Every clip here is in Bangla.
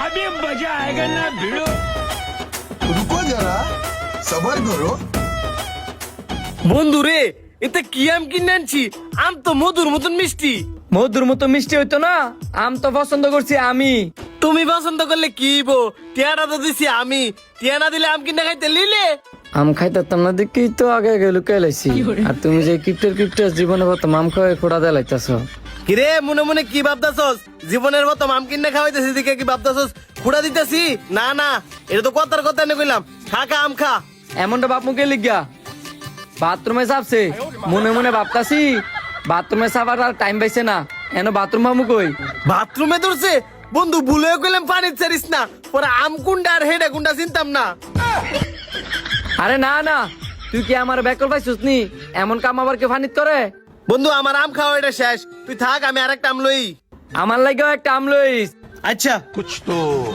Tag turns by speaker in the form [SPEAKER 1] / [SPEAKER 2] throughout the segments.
[SPEAKER 1] अभी मजा आएगा ना भिड़ो।
[SPEAKER 2] रुको जरा सबर करो।
[SPEAKER 3] বন্ধু রে এতে কি আম কিনে আনছি আম তো মধুর মতন মিষ্টি।
[SPEAKER 4] মধুর মতো মিষ্টি হইতো না, আম তো পছন্দ করছি আমি।
[SPEAKER 3] তুমি পছন্দ করলে কি হইবো, টিয়াটা তো দিছি আমি, টিয়া না দিলে আম কিনে খাইতে লিলে।
[SPEAKER 4] আম খাইতাম না দেখি তো আগে আগে লুকাই লাইছি। আর তুমি যে কিপ্টের জীবনে প্রথম আম খাওয়াই খোড়া দিয়ে লাইতাছ।
[SPEAKER 3] কিরে মনে মনে কি ভাবতাছস, জীবনের মতো আম কিনে খাওয়াইতেছি দিকে কি ভাবতাছস খুঁড়া দিতেছি? না না, এটা তো কথার কথা এনে কইলাম, খা খা আম খা।
[SPEAKER 4] এমনটা বাপ মুখে লিখিয়া বাথরুমে চাপছে, মনে মনে ভাবতাছি বাথরুমে চাপার আর টাইম পাইছে না, এন বাথরুম মামু কই।
[SPEAKER 3] বাথরুমে ধরছে বন্ধু, ভুলেও কইলাম পানি ছাড়িস না, পরে আম কুন্ডা আর হেডা কুন্ডা চিনতাম না।
[SPEAKER 4] আরে না না, তুই কি আমার ব্যাকল পাইছিস নি? এমন কাম আবার কেউ ফানিত করে?
[SPEAKER 3] বন্ধু আমার আম খাওয়া এটা শেষ, তুই থাক আমি আরেকটা আম লই।
[SPEAKER 4] আমার লাগেও একটা আম লইস।
[SPEAKER 3] আচ্ছা
[SPEAKER 2] कुछ तो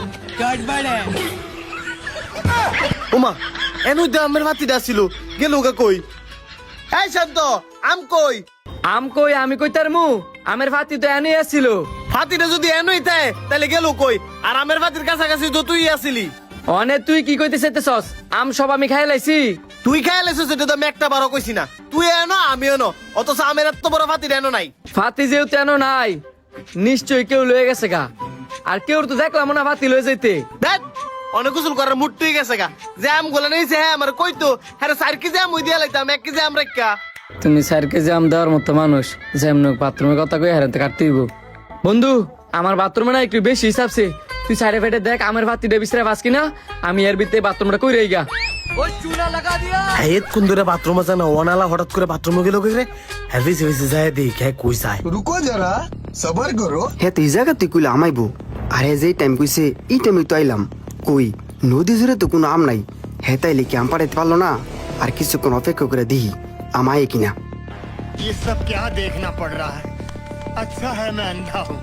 [SPEAKER 3] ওমা এনু দে আমের ভাতিটা ছিল, গেল গা কই? এই শান্ত, আম কই?
[SPEAKER 4] আম কই আমি কই তার মু, আমের ফাতি তো এনে আসছিল।
[SPEAKER 3] ভাতিটা যদি এনুই থাকে তাহলে গেল কই? আর আমের ভাতির কাছাকাছি তো তুই আসিলি।
[SPEAKER 4] অনে তুই কি কইতে চাইতেছস? আম সব আমি খাই লাইছি।
[SPEAKER 3] তুই খাইলেছিস এটা তো আমি একটা বারো কইছি না, তুই এনো আমি এনো, অথচ আমের এত বড় ভাতির এনো নাই।
[SPEAKER 4] ফাতি যেহেতু এনো নাই, নিশ্চয়ই কেউ লয়ে গেছে গা। আর কেউ তো দেখলাম না ফাতি লয়ে যাইতে।
[SPEAKER 3] দেখ অনেক গোসল করার মুড তুই গেছে গা, যে আম গুলা নিয়েছে হ্যাঁ আমার কইতো হ্যাঁ 4 কেজি আম ওই দিয়া লাইতাম, 1 কেজি আম রাখা।
[SPEAKER 4] তুমি 4 কেজি আম দেওয়ার মতো মানুষ, যেমন বাথরুমের কথা কই হারাতে কাটতে হইব। বন্ধু আমার বাথরুমে না একটু বেশি হিসাবছে, তুই সাইডে ফেটে দেখ আমের ভাতিটা বিছরে বাস কিনা, আমি এর ভিতরে বাথরুমটা কই রইগা।
[SPEAKER 3] হ্যাঁ কোন ধরে বাথরুমে যায় না, ওনালা হঠাৎ করে বাথরুমে গেল কে রে? হ্যাঁ বেশি বেশি যায় দেখ হ্যাঁ কই যায়।
[SPEAKER 2] रुको जरा सबर करो।
[SPEAKER 5] হে তুই জায়গা তুই কইলে আমাইবো, আরে যেই টাইম কইছে এই টাইমে তো আইলাম। কই নদী জুড়ে তো কোনো আম নাই, হে তাইলে কি আম পাড়াইতে পারলো না? আর কিছুক্ষণ অপেক্ষা করে দিহি আমায় কিনা।
[SPEAKER 6] ये सब क्या देखना पड़ रहा है? अच्छा है मैं अंधा हूँ।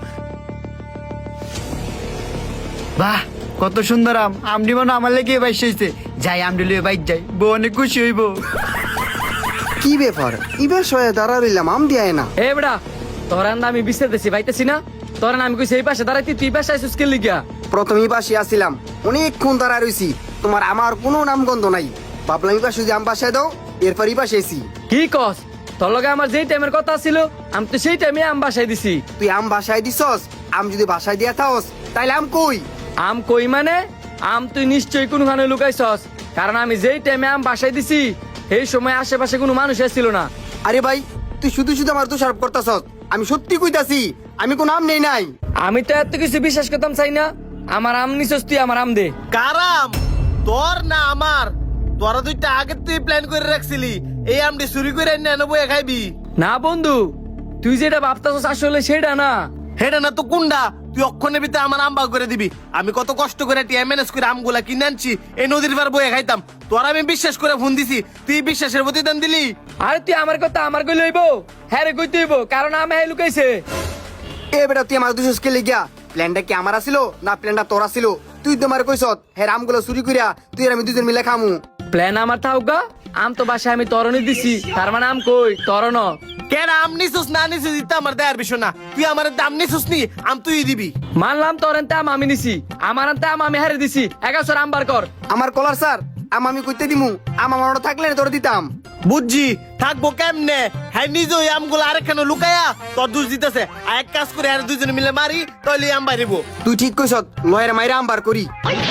[SPEAKER 7] বাহ কত সুন্দর আম, আমডি মনে আমার লেগে বাইশ হয়েছে। যাই আমডি লিয়ে বাইক যাই, বউ অনেক খুশি হইব।
[SPEAKER 5] কি ব্যাপার ইবার সয়ে দাঁড়া রইলাম, আম দিয়ে না।
[SPEAKER 4] এ বেড়া তোর আন্দা আমি বিছাইতেছি পাইতেছি না, তোর আমি কইছি এই পাশে দাঁড়াইতি, তুই পাশে আইছিস কে লিগা?
[SPEAKER 5] প্রথমেই পাশে আসছিলাম, অনেকক্ষণ দাঁড়া রইছি, তোমার আমার কোনো নামগন্ধ নাই। ভাবলাম এই পাশে যদি আম বাসায় দাও, এরপর এই পাশে এসি।
[SPEAKER 4] কি কস? তোর লগে আমার যেই টাইমের কথা ছিল আমি তো সেই টাইমে আম বাসায় দিছি।
[SPEAKER 5] তুই আম বাসায় দিছস, আম যদি বাসায় দিয়া থাকস তাইলে আম কই?
[SPEAKER 4] আম কই মানে? আম তুই নিশ্চয়ই কোনখানে লুকাইছস, কারণ আমি যেই টাইমে আম বাসায় দিছি এই সময় আশেপাশে কোনো মানুষ ছিল না।
[SPEAKER 5] আরে ভাই তুই শুধু শুধু আমার দোষারোপ করতাছস, আমি সত্যি কইতাছি আমি কোনো আম নেই নাই।
[SPEAKER 4] আমি তো এত কিছু বিশ্বাস করতাম চাই না, আমার আম নিছস তুই, আমার আম দে।
[SPEAKER 3] কারাম তোর না আমার? তোরা দুইটা আগে তুই প্ল্যান করে রাখছিলি এই আমটি চুরি করে এনে এনে বইয়া খাইবি।
[SPEAKER 4] না বন্ধু, তুই যেটা ভাবতাছস আসলে সেটা না।
[SPEAKER 3] হেডা না তো কুন্ডা, তুই অক্ষণের ভিতরে আমার আম বাগ করে দিবি। আমি কত কষ্ট করে টিয়া ম্যানেজ করে আমগুলা কিনে আনছি, এই নদীর পার বইয়া খাইতাম। তোর আমি বিশ্বাস করে ফোন দিছি, তুই বিশ্বাসের প্রতিদান দিলি।
[SPEAKER 4] আরে তুই আমার কথা আমার কই লইব? হ্যাঁ রে কইতে হইব, কারণ আমি হ্যাঁ লুকাইছে।
[SPEAKER 5] এ বেটা তুই আমার দোষ কে লিগা? প্ল্যানটা কি আমার আছিল না প্ল্যানটা তোর আছিল? তুই তো আমার কইছত হ্যাঁ আমগুলো চুরি করিয়া তুই আর আমি দুজন মিলে খামু।
[SPEAKER 4] প্ল্যান আমার থাকুকা, আম তো বাসায় আমি তরণই দিছি, তার মানে আম কই তরণ।
[SPEAKER 3] কেন আম নিছিস না নিছিস দিতে আমার দেয়ার বিষয় না, তুই আমার দাম নিছিস নি আম তুই দিবি।
[SPEAKER 4] মানলাম তোর এনতে আম আমি নিছি, আমার এনতে আম আমি হারে দিছি, 1100 আম বার কর।
[SPEAKER 5] আমার কলার স্যার আম আমি কইতে দিমু, আম আমার থাকলে তোর দিতাম।
[SPEAKER 3] বুঝছি থাকবো কেমনে? হ্যাঁ নিজে ওই আমগুলো আরেকখানে লুকায়া তোর দোষ দিতেছে। আর এক কাজ করে আর দুজনে মিলে মারি তাহলে আম বাইরিব।
[SPEAKER 5] তুই ঠিক কইছত, লয়ের মাইরা আম বার করি।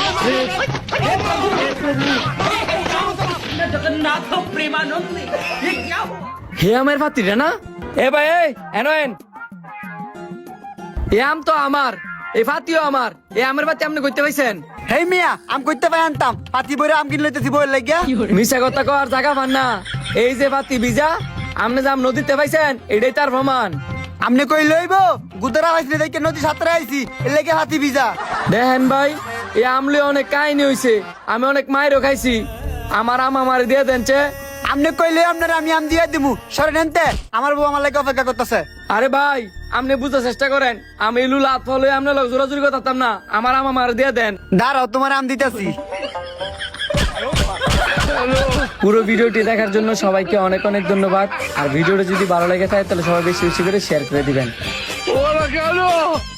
[SPEAKER 4] হে আমের ফাতিটা না? এ ভাই এই এনয়েন, এ আম তো আমার, এই ফাতিও আমার, এই আমের ফাতি আপনি কইতে পাইছেন?
[SPEAKER 7] হেই মিয়া আম করতে পাই আনতাম, হাতি বইরে আম কিনলে লইতেছি বইয়ের লাগিয়া।
[SPEAKER 4] মিশা কথা কর জায়গা পান না। এই যে ফাতি বিজা আপনি যে আম নদীতে পাইছেন এটাই তার প্রমাণ।
[SPEAKER 7] আমনে কই লইব? গুদরা হইছে দেখে নদী সাঁতরে আইছি, এর লাগে হাতি ভিজা।
[SPEAKER 4] দেখেন ভাই এই আমলে অনেক কাহিনী হইছে, আমি অনেক মাইরও খাইছি, আমার আম আমার দিয়ে দেন চে।
[SPEAKER 7] আমনে কইলে আপনারা আমি আম দিয়ে দিমু, সরে নেনতে আমার বউ আমার লাগে অপেক্ষা করতেছে।
[SPEAKER 4] আরে ভাই আপনি বুঝার চেষ্টা করেন, আমি লুলা লাত ফলে আপনার লোক জোরাজুরি করতাম না, আমার আম আমার দিয়ে দেন।
[SPEAKER 7] দাঁড়াও তোমার আম দিতেছি।
[SPEAKER 4] পুরো ভিডিওটি দেখার জন্য সবাইকে অনেক অনেক ধন্যবাদ। আর ভিডিওটা যদি ভালো লেগে থাকে তাহলে সবাই বেশি বেশি করে শেয়ার করে দিবেন।